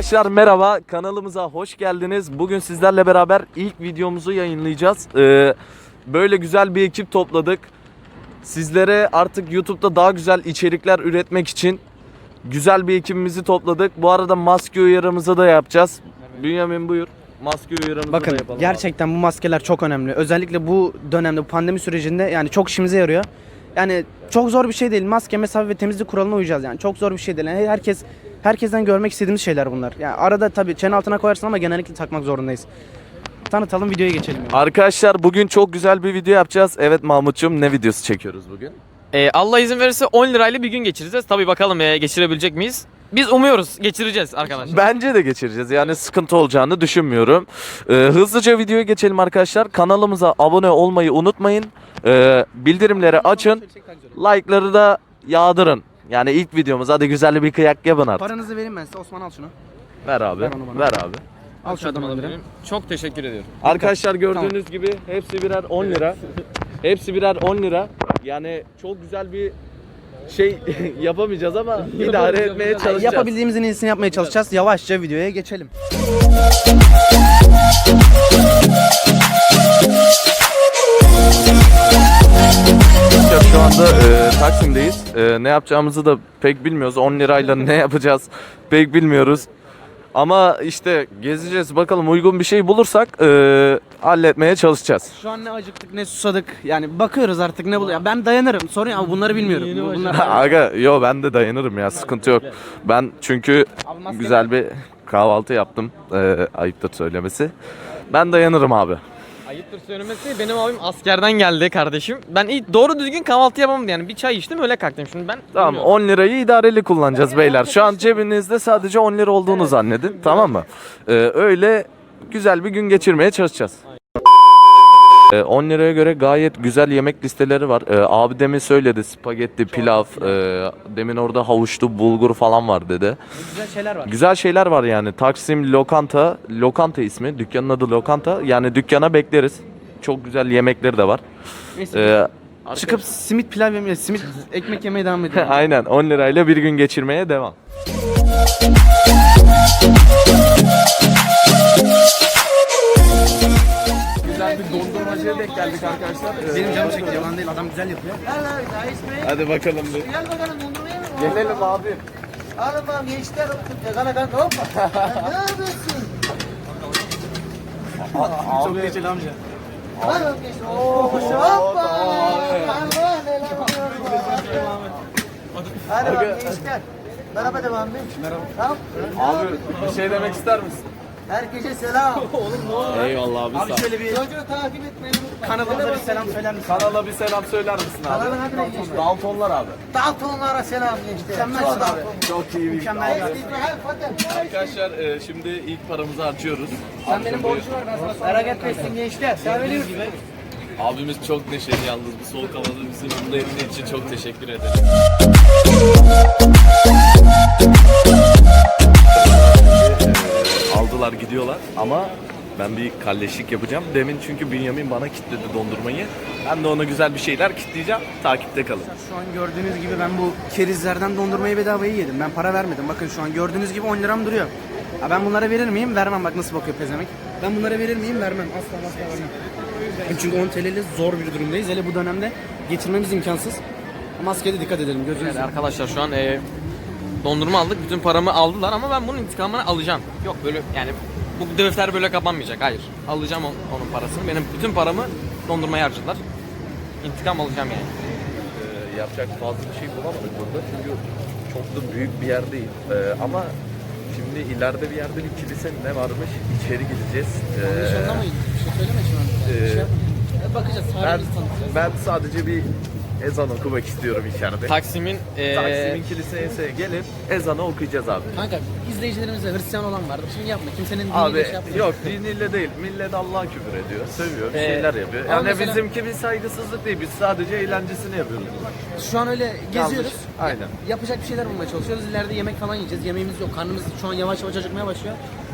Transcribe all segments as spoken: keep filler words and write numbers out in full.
Arkadaşlar merhaba, kanalımıza hoş geldiniz. Bugün sizlerle beraber ilk videomuzu yayınlayacağız. Ee, böyle güzel bir ekip topladık. Sizlere artık YouTube'da daha güzel içerikler üretmek için güzel bir ekibimizi topladık. Bu arada maske uyarımızı da yapacağız. Bünyamin buyur. Maske uyarımızı Bakın, da yapalım. gerçekten abi, bu maskeler çok önemli. Özellikle bu dönemde, bu pandemi sürecinde yani çok işimize yarıyor. Yani çok zor bir şey değil. Maske, mesafe ve temizlik kuralına uyacağız yani. Çok zor bir şey değil. Yani herkes herkesten görmek istediğimiz şeyler bunlar. Yani arada tabii çene altına koyarsın ama genellikle takmak zorundayız. Tanıtalım, videoya geçelim. Yani. Arkadaşlar bugün çok güzel bir video yapacağız. Evet Mahmut'cum, ne videosu çekiyoruz bugün? Ee, Allah izin verirse on lirayla bir gün geçireceğiz. Tabii bakalım e, geçirebilecek miyiz? Biz umuyoruz geçireceğiz arkadaşlar. Bence de geçireceğiz. Yani sıkıntı olacağını düşünmüyorum. Ee, hızlıca videoya geçelim arkadaşlar. Kanalımıza abone olmayı unutmayın. Ee, bildirimleri açın. Like'ları da yağdırın. Yani ilk videomuz. Hadi güzel bir kıyak yapın artık. Paranızı vereyim ben size. Osman al şunu. Ver abi. Ver onu bana. Ver abi. Al şu adamı alabilirim. Çok teşekkür ediyorum. Arkadaşlar gördüğünüz gibi hepsi birer on lira. Hepsi birer on lira. Yani çok güzel bir şey yapamayacağız ama idare etmeye çalışacağız. Yapabildiğimizin iyisini yapmaya çalışacağız. Yavaşça videoya geçelim. Şu anda e, Taksim'deyiz. E, ne yapacağımızı da pek bilmiyoruz. on lirayla ne yapacağız pek bilmiyoruz. Ama işte gezeceğiz, bakalım uygun bir şey bulursak e, halletmeye çalışacağız. Şu an ne acıktık ne susadık. Yani bakıyoruz artık ne buluyor. Ben dayanırım. Sorun ama bunları bilmiyorum. Bu- Bunlar... Aga yo, ben de dayanırım ya, sıkıntı yok. Ben çünkü Abi maske güzel bir kahvaltı yaptım. E, ayıptır söylemesi. Ben dayanırım abi. Ayıptır söylemesi, benim abim askerden geldi kardeşim. Ben ilk doğru düzgün kahvaltı yapamadım yani. Bir çay içtim öyle kalktım. Şimdi ben Tamam, bilmiyorum. on lirayı idareli kullanacağız beyler. Şu an cebinizde sadece on lira olduğunu zannedin. Tamam mı? Ee, öyle güzel bir gün geçirmeye çalışacağız. Ee, on liraya göre gayet güzel yemek listeleri var. Ee, abi demin söyledi, spagetti, pilav, e, demin orada havuçlu bulgur falan var dedi. Güzel şeyler var. Güzel şeyler var yani. Taksim Lokanta, Lokanta ismi. Dükkanın adı Lokanta. Yani dükkana bekleriz. Çok güzel yemekleri de var. Neyse, Ee, çıkıp simit pilav yemeye, simit ekmek yemeye devam edelim. Aynen, on lirayla bir gün geçirmeye devam. Güzel bir dondurmacıya denk geldik arkadaşlar. Benim canım çekti, yalan değil, adam güzel yapıyor. Hadi bakalım bir. Gel bakalım dondurmaya mı? Gelelim abi. Al bakalım gençler otur. Kana kanka hoppa. Ne yapıyorsun? Çok geçeli amca. Al bakalım gençler. Oo hoppa. Allah neler Hadi bakalım gençler. Merhaba devam edin. Merhaba. Tamam. Abi bir şey demek ister misin? Herkese selam. Eyvallah abi, Abi sağ ol. şöyle bir Çocuğu takip etmeyi unutmayın. kanalımıza bir selam söyler misin? Kanala bir selam söyler misin abi? Kanalın adı ne gençler? Daltonlar abi. Daltonlara selam gençler. Mükemmelsin abi. Çok iyi bir Mükemmel bir abi. Arkadaşlar e, şimdi ilk paramızı harcıyoruz. Sen benim borcum var, ben sana sonra. Merak etmesin gençler. Sen öyle Abimiz çok neşeli yalnız, bu soğuk havada bizi mutlu ettiği için çok teşekkür ederim. E, aldılar gidiyorlar ama ben bir kalleşlik yapacağım. Demin çünkü Bünyamin bana kilitledi dondurmayı. Ben de ona güzel bir şeyler kilitleyeceğim. Takipte kalın. Şu an gördüğünüz gibi ben bu kerizlerden dondurmayı bedavaya yedim. Ben para vermedim. Bakın şu an gördüğünüz gibi on liram duruyor. Ha, ben bunlara verir miyim? Vermem. Bak nasıl bakıyor pezemek. Ben bunlara verir miyim? Vermem. Asla asla vermem. Çünkü on T L ile zor bir durumdayız. Hele bu dönemde geçirmemiz imkansız. Maskeye de dikkat edelim. Gözünüzü Evet arkadaşlar şu an e, dondurma aldık. Bütün paramı aldılar ama ben bunun intikamını alacağım. Yok böyle yani bu defter böyle kapanmayacak. Hayır. Alacağım on, onun parasını. Benim bütün paramı dondurmaya harcadılar. İntikam alacağım yani. Ee, yapacak fazla bir şey bulamadık burada çünkü çok da büyük bir yer değil. Ee, ama şimdi ileride bir yerde bir kilise ne varmış, içeri gideceğiz. Ee, Bir şey söyleme şu an. e, Bir şey yapma. Bakacağız. ben, Tarihimizi tanıtacağız. ben sadece bir ezan okumak istiyorum içeride. Taksim'in e, Taksim'in kiliseye gelip ezanı okuyacağız abi. Kanka izleyicilerimizde Hristiyan olan vardır. Şimdi yapma. Kimsenin diniyle Abi şey yapma. yok, diniyle değil, millet Allah'a küfür ediyor, sövüyor, bir Ee, şeyler yapıyor. ama Yani mesela- bizimki bir saygısızlık değil, biz sadece eğlencesini yapıyoruz. Şu an öyle geziyoruz. Yanlış, aynen. Yapacak bir şeyler bulmaya çalışıyoruz. İleride yemek falan yiyeceğiz. Yemeğimiz yok. Karnımız şu an yavaş yavaş acıkmaya başlıyor.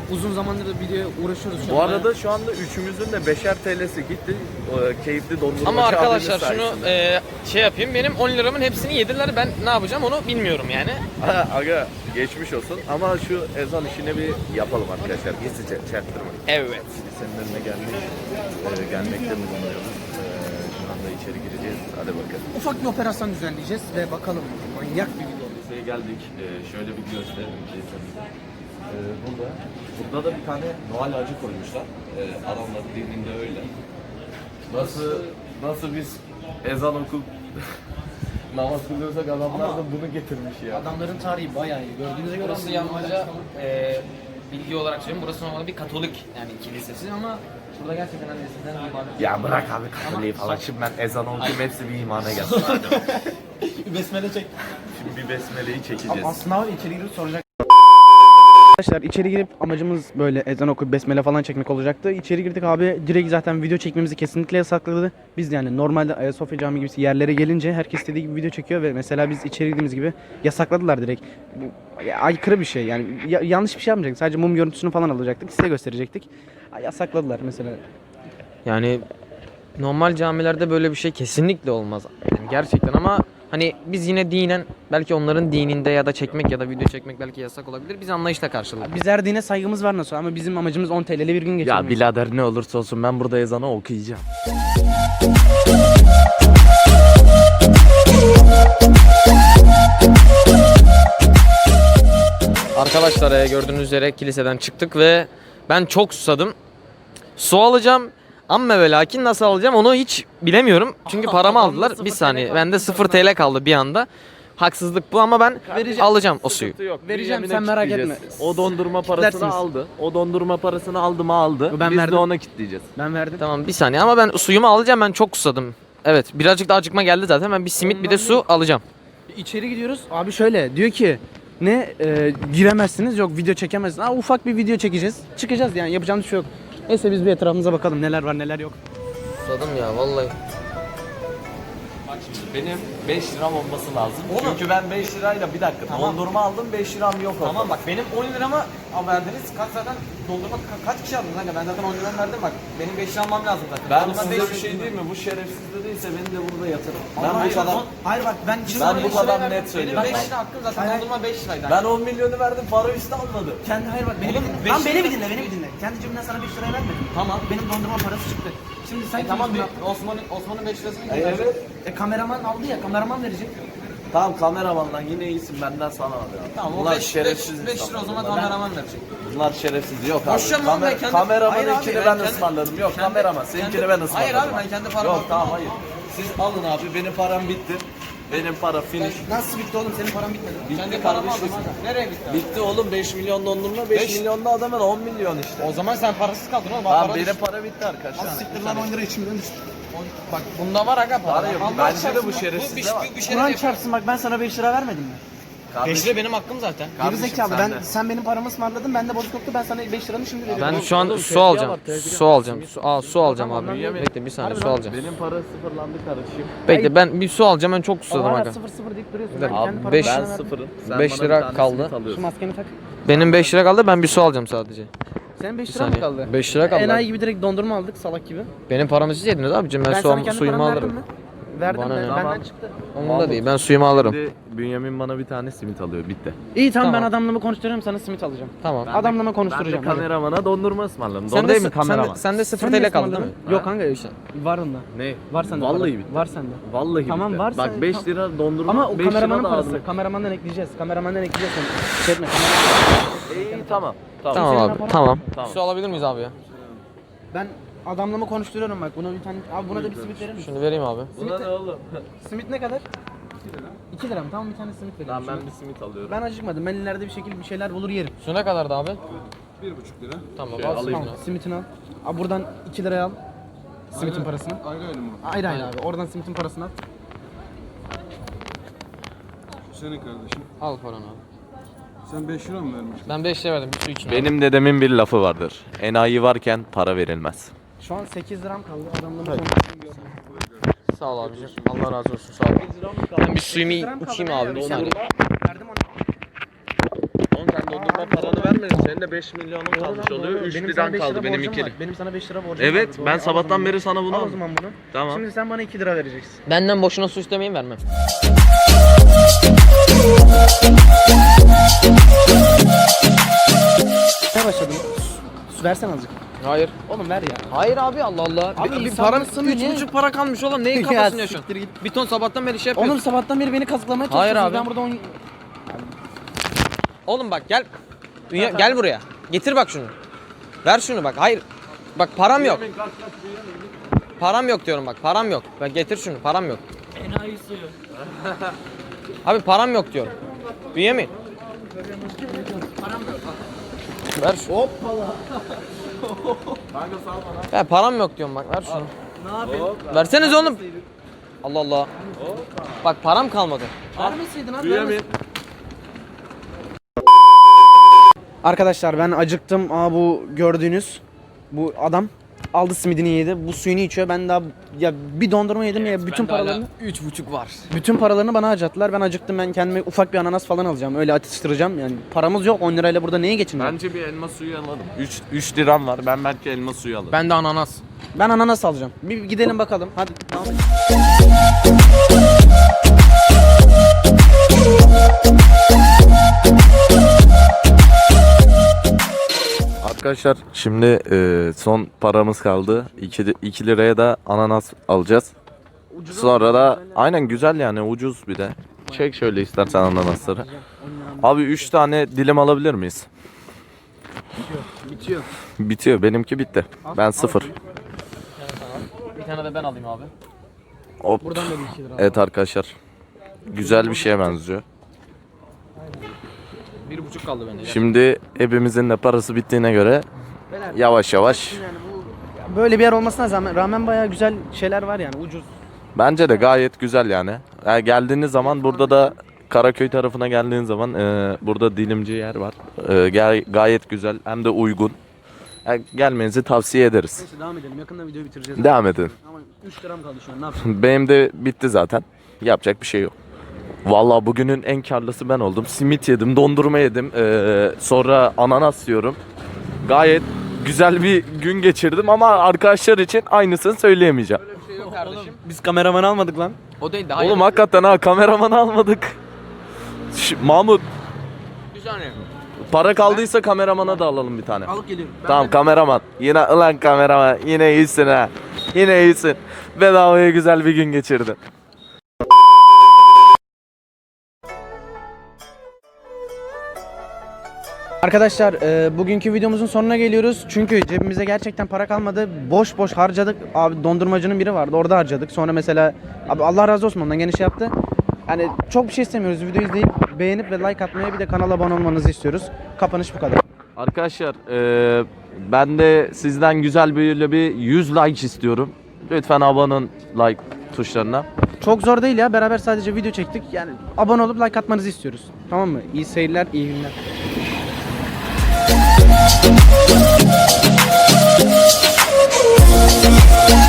uzun zamandır da videoya uğraşıyoruz. şu Bu an. arada şu anda üçümüzün de beşer T L'si gitti. O, keyifli dondurmacı Ama arkadaşlar abimiz şunu sayesinde. e, şey yapayım. Benim on liramın hepsini yediler. Ben ne yapacağım onu bilmiyorum yani. Ha, aga geçmiş olsun ama şu ezan işini bir yapalım arkadaşlar. Gizlice çaktırmayın. Evet. Senin önüne gelmek, e, gelmekte bulunuyoruz. E, şu anda içeri gireceğiz. Hadi bakalım. Ufak bir operasyon düzenleyeceğiz ve bakalım manyak bir video. Liseye geldik. E, şöyle bir gösterelim. E, burada, burada da bir tane Noel ağacı koymuşlar. E, Adamlar dininde öyle. Nasıl, nasıl biz ezan okup namaz kılıyorsak adamlar da bunu getirmiş ya. Adamların tarihi bayağı iyi. Gördüğünüze göre Burası yalnızca e, bilgi olarak söyleyeyim. Burası normalde bir Katolik yani kilisesi ama burada gerçekten hani eskiden bir ibadet. Ya bırak abi Katoliği falan. Şimdi ben ezan okuyayım hepsi bir imana gelsin. besmele çek. Şimdi bir besmeleyi çekeceğiz. Aslında var içeri girip soracak. Arkadaşlar içeri girip amacımız böyle ezan okuyup besmele falan çekmek olacaktı. İçeri girdik abi direkt zaten video çekmemizi kesinlikle yasakladı. Biz yani normalde Ayasofya Camii gibi yerlere gelince herkes istediği gibi video çekiyor ve mesela biz içeri girdiğimiz gibi yasakladılar direkt. Bu ya, aykırı bir şey yani ya, yanlış bir şey yapmayacaktık. Sadece mum görüntüsünü falan alacaktık size gösterecektik. Ya, yasakladılar mesela. Yani normal camilerde böyle bir şey kesinlikle olmaz. Yani gerçekten ama hani biz yine dinen belki onların dininde ya da çekmek ya da video çekmek belki yasak olabilir. Biz anlayışla karşıladık. Biz her dine saygımız var nasıl ama bizim amacımız on T L'li bir gün geçirmek. Ya birader ne olursa olsun ben burada ezanı okuyacağım. Arkadaşlar e, gördüğünüz üzere kiliseden çıktık ve ben çok susadım. Su alacağım ama ve lakin nasıl alacağım onu hiç bilemiyorum. Çünkü paramı aldılar. Bir saniye bende sıfır T L kaldı bir anda. Haksızlık bu ama ben alacağım o suyu. Vereceğim, sen merak etme. O dondurma parasını Kitlersiniz. aldı. O dondurma parasını aldı mı aldı. Ben Biz verdim. de ona kitleyeceğiz. Ben verdim. Tamam bir saniye ama ben suyumu alacağım, ben çok susadım. Evet birazcık da acıkma geldi zaten, ben bir simit bir de su alacağım. İçeri gidiyoruz. Abi şöyle diyor ki ne e, giremezsiniz yok video çekemezsiniz. Aa, ufak bir video çekeceğiz. Çıkacağız yani yapacağımız bir şey yok. Neyse biz bir etrafımıza bakalım neler var neler yok. Susadım ya vallahi. Bak şimdi benim beş liram olması lazım. Çünkü ben beş lirayla bir dakika dondurma aldım, beş liram yok oldu. Tamam bak benim on liramı verdiniz. Kaç zaten dondurma ka- kaç kişi aldınız kanka? Ben zaten on liramı verdim bak. Benim beş liram almam lazım zaten. Ben Dondurma beş size bir lira- şey diyeyim mi? Bu şerefsiz de değilse beni de burada yatırın. Ama Ben bu hayır, kadar son- Hayır bak ben Ben bu beş kadar lira net verdim. söylüyorum. Benim beş Bak. lira hakkım zaten, Hayır, dondurma beş liraydı. ben on milyonu verdim, para üstü almadı. kendi hayır bak beni Oğlum, bir dinle. beş Lan beni lira- bir dinle beni bir dinle. Kendi cebimden sana beş liraya vermedim. Tamam. Benim dondurma parası çıktı. Şimdi sen E tamam kimsin bir Osman'ın Osman'ın beş lirasını E, getirecek. evet. lan? E kameraman aldı ya kameraman verecek. Tamam kameramandan yine iyisin, benden sana alıyor. Tamam o Bunlar beş şerefsiz beş lira o zaman insanlar. kameraman verecek. Bunlar şerefsiz. Yok abi. Boşver lan, ben Kamer- kendi- kameramanın Hayır abi, ikini ben ben kendi- ısmarladım. Yok kendi- kameraman seninkini kendi- ben ısmarladım. Hayır abi, ben kendi paramı Yok aldım. tamam hayır. Siz alın abi, benim param bitti. Benim para finish. Nasıl bitti oğlum senin paran bitmedi. Bitti Kendi paramı aldım kardeşim. hadi. Nereye gitti abi? Bitti oğlum, beş milyon dondurma, beş Beş- milyon da adamın on milyon işte. O zaman sen parasız kaldın oğlum. Tamam Para benim düştü. para bitti arkadaşlar. Siktir lan on lira içimden düştü. Bak bunda var aga para. Para yok. Allah Bence de çarpsın bu bak, şerefsizde bir, var. bir, bir şey Kur'an yapıyor. çarpsın bak ben sana beş lira vermedim mi? beş lira benim hakkım zaten. Geri Kardeşim, zekalı sen ben de. sen benim paramı ısmarladın ben de bozuk yoktu ben sana beş liranı şimdi veriyorum. Ben Oğlum, şu an oğlum, su tezgah alacağım. var, tezgah. Su alacağım. Su, aa, su alacağım Tamam, abi. anladım. Bekle bir saniye Harbi su lan. alacağım. Benim para sıfırlandı kardeşim. Bekle ben bir su alacağım, ben çok Ama susadım hala aga. sıfır sıfır deyip duruyorsun. Bir Ben dakika, kendi paramı beş- sana Ben verdim. sıfırım. Sen beş bana lira bir tane kaldı. simit Şu alıyorsun. maskeni tak. Benim beş lira kaldı, ben bir su alacağım sadece. Senin beş Bir lira mı saniye. kaldı? beş lira kaldı. Enayi gibi direkt dondurma aldık salak gibi. Benim paramı siz yediniz abicim, ben, Ben su, sana kendi suyumu paramı verdim alırım. mi? Verdim Bana ben, ne? benden Tamam. çıktı. Onun da değil, ben suyumu alırım. Şimdi Bünyamin bana bir tane simit alıyor. Bitti. İyi tamam, Tamam. ben adamlığımı konuşturuyorum sana simit alacağım. Tamam. Adamlığımı Ben de konuşturacağım. hadi. kameramana dondurma ısmarladım. Sen Doğru de, değil mi sen de, kameraman? sen de sıfır Sen T ne L kaldı değil ısmarladın? mi? Yok kanka var onda. Ne? Var sende. Vallahi para. bitti. Var sende. Vallahi Tamam, bitti. varsa- Bak beş tamam. lira dondurma. Ama o beş lira kameramanın da parası. aldım. Kameramandan ekleyeceğiz. Kameramandan ekleyeceğiz. Sen şey etme. kameraman- İyi tamam. Tamam. Tamam Senin abi, paran- tamam. Tamam. Su alabilir miyiz abi ya? Ben adamlığımı konuşturuyorum bak. Buna bir tane abi buna da bir simit verir misin? Şunu vereyim abi. Buna ne oğlum? Simit ne kadar? iki lira mı? Tamam bir tane simit vereyim. Tamam ben Şunu- bir simit alıyorum. Ben acıkmadım. Ben ileride bir şekilde bir şeyler bulur yerim. Su ne kadardı abi? Bir buçuk lira. Tamam Şöyle al alayım. suyunu. Tamam, simitini al. Abi buradan iki liraya al. Simitin parasını. Ayrı ayrı mı? Ayrı ayrı abi. Oradan simitin parasını al. Senin kardeşim. Al paranı abi. Sen beş lira mı vermiştin? Ben beş lira verdim bir su için. Benim dedemin bir lafı vardır. Enayi varken para verilmez. Şu an sekiz liram kaldı. Adamlığımı konuşturuyorum. Sağ ol abicim. Allah razı olsun. Sağ ol. Ben bir suyumu içeyim abi bir saniye. Verdim onu. Oğlum sen dondurma daha paranı vermedin. Senin de beş milyonun kalmış oluyor. üç Benim sana liran beş kaldı lira benim borcum iki var. lira. Benim sana beş lira borcum Evet, var. Doğru, ben al o sabahtan zaman beri bunu. sana bunu Al o aldım. zaman bunu. Tamam. Şimdi sen bana iki lira vereceksin. Benden boşuna su istemeyin, vermem. Ne başladın? Su versene azıcık. Hayır. Oğlum ver ya. Hayır abi, Allah Allah. Abi bir, bir insanın param sınırı üç ne? buçuk para kalmış oğlum. Neyin Ya kafasını yaşıyorsun? siktir git. Bir ton sabahtan beri şey yapıyorsun. Oğlum sabahtan beri beni kazıklamaya Hayır çalışıyorsunuz. abi. Ben burada on... Oğlum bak gel. Dünya, gel buraya. Getir bak şunu. Ver şunu bak. Hayır. Bak param yok. Param yok diyorum bak. Param yok. Bak getir şunu. Param yok. Enayi suyu. Abi param yok diyorum. Bünyamin. Param yok. Ver şunu. Hoppala. Ya param yok diyorum bak. Ver şunu. Ne yapayım? Verseniz oğlum. Allah Allah. Bak param kalmadı. Vermeseydin abi. vermeseydin. Arkadaşlar ben acıktım. Aa bu gördüğünüz bu adam aldı simidini yedi. Bu suyunu içiyor. Ben daha ya bir dondurma yedim ya bütün paralarını üç buçuk var. bütün paralarını bana harcattılar. Ben acıktım. Ben kendime ufak bir ananas falan alacağım. Öyle atıştıracağım. Yani paramız yok. on lirayla burada neye geçineceğim? Bence bir elma suyu alalım. üç liram var. Ben belki elma suyu alırım. Ben de ananas. Ben ananas alacağım. Bir gidelim bakalım. Hadi. Tamam. Arkadaşlar şimdi e, son paramız kaldı. iki liraya da ananas alacağız. Sonra da aynen güzel yani ucuz bir de. Çek şöyle istersen ananasları. Abi üç tane dilim alabilir miyiz? Bitiyor. Bitiyor. Benimki bitti. Ben sıfır. Bir tane de ben alayım abi. Hop. Buradan da bir iki lira. Evet arkadaşlar. Güzel bir şeye benziyor. Bir buçuk kaldı bende. Şimdi hepimizin de parası bittiğine göre yavaş yavaş. Yani bu böyle bir yer olmasına rağmen, rağmen bayağı güzel şeyler var yani ucuz. Bence de gayet güzel yani. Yani geldiğiniz zaman burada da Karaköy tarafına geldiğiniz zaman e, burada dilimci yer var. E, gay- gayet güzel hem de uygun. Yani gelmenizi tavsiye ederiz. Neyse devam edelim. Yakında videoyu bitireceğiz. Devam edin. Ama üç liram kaldı şu an. Ne yapacağım? Benim de bitti zaten. Yapacak bir şey yok. Vallahi bugünün en karlısı ben oldum. Simit yedim, dondurma yedim. Ee, sonra ananas yiyorum. Gayet güzel bir gün geçirdim ama arkadaşlar için aynısını söyleyemeyeceğim. Öyle bir şey yok kardeşim. Biz kameraman almadık lan. O değil de hayır. Oğlum hakikaten ha kameramanı almadık. Ş- Mahmut Bir saniye. para kaldıysa kameramana da alalım bir tane. Alıp geliyorum. Tamam kameraman. Yine ulan kameraman yine iyisin ha. Yine iyisin. Bedavaya güzel bir gün geçirdin. Arkadaşlar e, bugünkü videomuzun sonuna geliyoruz. Çünkü cebimize gerçekten para kalmadı. Boş boş harcadık. Abi dondurmacının biri vardı. Orada harcadık. Sonra mesela abi Allah razı olsun ondan gene şey yaptı. Yani çok bir şey istemiyoruz. Videoyu izleyip beğenip ve like atmaya bir de kanala abone olmanızı istiyoruz. Kapanış bu kadar. Arkadaşlar eee, ben de sizden güzel böyle bir yüz like istiyorum. Lütfen abone olun like tuşlarına. Çok zor değil ya. Beraber sadece video çektik. Yani abone olup like atmanızı istiyoruz. Tamam mı? İyi seyirler, iyi günler. Yeah.